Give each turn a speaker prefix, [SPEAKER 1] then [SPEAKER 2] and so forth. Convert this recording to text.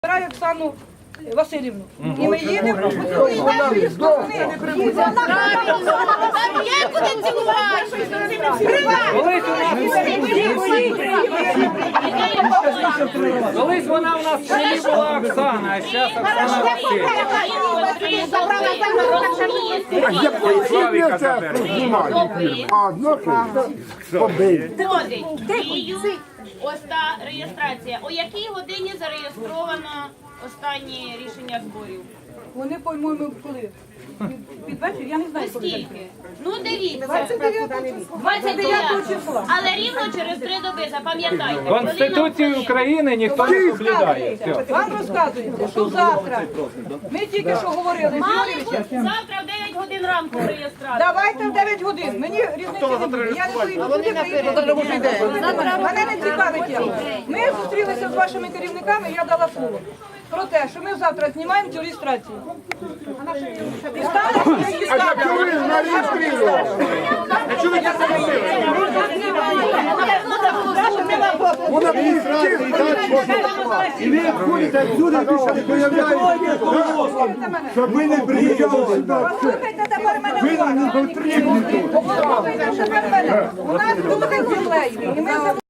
[SPEAKER 1] Збираю Оксану Васильівну. І ми їдемо по цілій нашої сторони. І вона
[SPEAKER 2] Є куди цілувати!
[SPEAKER 3] Колись вона у нас в селі була Оксана, а зараз Оксана Васильівна.
[SPEAKER 2] Входить в дію ось та реєстрація. О якій годині зареєстровано останнє рішення зборів?
[SPEAKER 1] Вони, по-моєму, коли? Під вечір? Я не знаю, коли.
[SPEAKER 2] Скільки? Ну дивіться.
[SPEAKER 1] 29 числа.
[SPEAKER 2] Але рівно через 3 доби, запам'ятайте.
[SPEAKER 3] Конституцію України ніхто не соблюдає. Все.
[SPEAKER 1] Вам розказується, що завтра, ми тільки що говорили з Юрійовичем,
[SPEAKER 2] Завтра в 9 годин ранку реєстрація.
[SPEAKER 1] давайте в 9 годин, мені різниці не буде, я не поїду туди, мене не цікавить я. Ми зустрілися з вашими керівниками, я дала слово про те, що ми завтра знімаємо цю реєстрацію. І станемо, і станемо.
[SPEAKER 4] Вона і ви ходите всюди, більше не появляєтеся, щоб ми не приїжджали сюди.
[SPEAKER 1] Послухайте тепер мене
[SPEAKER 4] Ви нам не
[SPEAKER 1] уважно.
[SPEAKER 4] потрібні тут.
[SPEAKER 1] Послухайте тепер мене. У нас тут землею, і ми